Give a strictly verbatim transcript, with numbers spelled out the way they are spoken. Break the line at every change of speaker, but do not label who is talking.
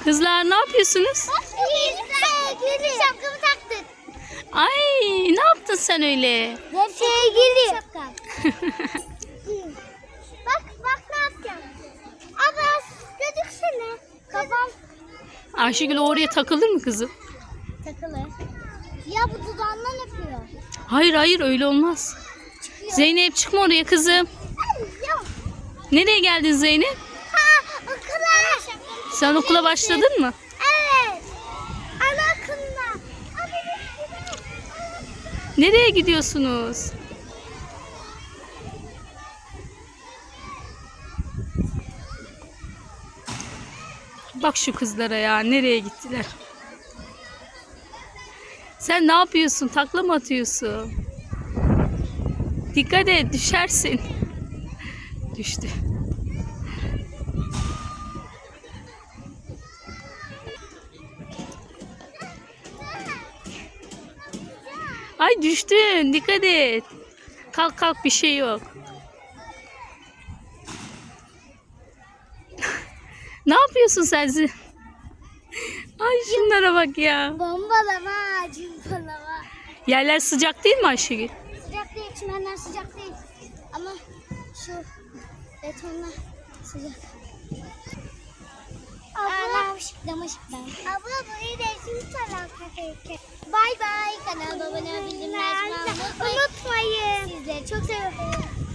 Kızlar ne yapıyorsunuz?
Sevgili. Şapkamı taktık.
Ay ne yaptın sen öyle?
Sevgili. Şapkam. Bak bak ne yapacağım. Abbas gözüksene. Kafam
Ayşegül oraya takılır mı kızım?
takılır. Ya bu dudağından öpüyor.
Hayır hayır öyle olmaz.
Çıkıyor.
Zeynep çıkma oraya kızım.
Yok.
Nereye geldin Zeynep?
Ha okula.
Sen okula başladın mı?
Evet. Anaokuluna.
Nereye gidiyorsunuz? Bak şu kızlara ya nereye gittiler? Sen ne yapıyorsun? Takla mı atıyorsun? Dikkat et düşersin. Düştü. Ay düştün. Dikkat et. Kalk kalk bir şey yok. Ne yapıyorsun sen? Zi- Ay şunlara bak ya.
Bombalama, cimbalama.
Yerler sıcak değil mi Ayşegül?
Sıcak değil, çimenler sıcak değil. Ama şu betonlar sıcak. Abla, damış ben. Abla burayı değişim tarafta. Bay bay. Kanalıma abone olmayı, bildirimleri açmayı unutmayın. Sizleri çok seviyorum.